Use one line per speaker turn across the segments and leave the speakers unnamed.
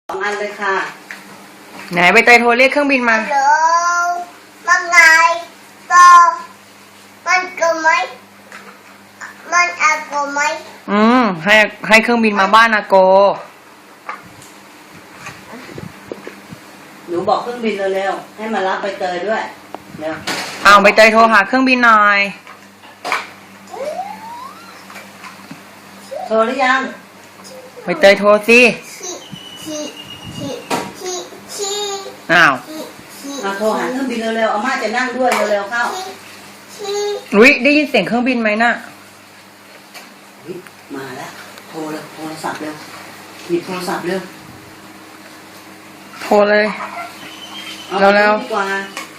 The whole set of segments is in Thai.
2 อันเลยค่ะ
ไหนใบเตยโทรเรียกเครื่องบินมา
ฮัลโหลว่าไงโตมันกูไหมมันอากูไหม
ให้เครื่องบินมาบ้านอาโก
หนูบอกเครื่องบินเร็วๆให้มารับใบเตยด้วยเร็ว
ใบเตยโทรหาเครื่องบินหน่อย
โทรหรือยัง
ใบเตยโทรสิ
มาโทรหาเครื่องบินเร็วๆอาม่าจะนั่งด้วยเร็วๆเข้า
ได้ยินเสียงเครื่องบินไหมน่ะ
มาแล้วโทรเลยโทรศัพท์เร็วหยิบโทรศัพท์เร็ว
โทรเลยเร็ว
ดีกว่า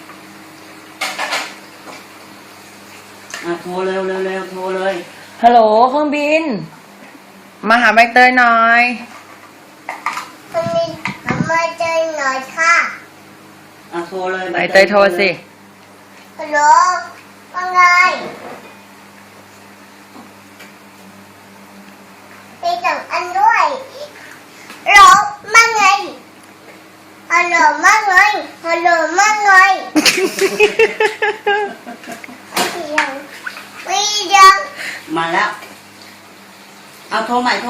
โทรเร็วโทรเลย
ฮัลโหลเครื่องบินมาหาใบเตยหน่อย
คนนี้มาเจอหน่อยค่ะ
โทรเลย
ใบเตยโทรสิ
ฮัลโหลว่าไงไปสั่งอันด้วยฮัลโหลว่าไงฮัลโหลว่าไงฮัลโหลว่าไงไม่ยัง
มาแล้วโทรใหม่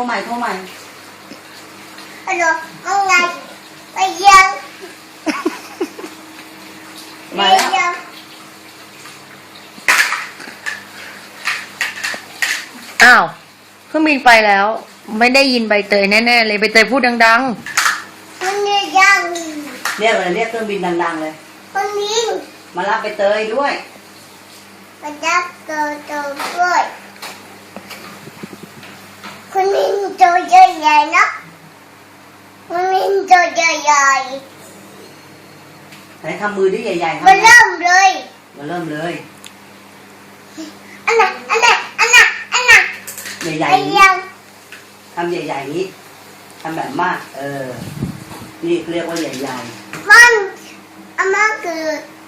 ฮัลโหลว่าไงไม่ยัง
มาแล้ว
เครื่องบินไปแล้วไม่ได้ยินใบเตยแน่ๆเลยใบเตยพูดดัง
ๆคนนี้ยัง
เรียกเครื่องบินดังๆเลย
คนนี้
มารับใบเตยด้วย
มารับเตยด้วยคนนี้ตัวใหญ่ๆนะคนนี้ตัวใหญ่
ๆไหนทำมือดิใหญ่ๆ
มาเริ่มเลยอันน่ะ
ใหญ่ๆทำใหญ่ๆนี้ทำแบบมากนี่เรียกว่าใหญ่
ๆมันอาม่าคือ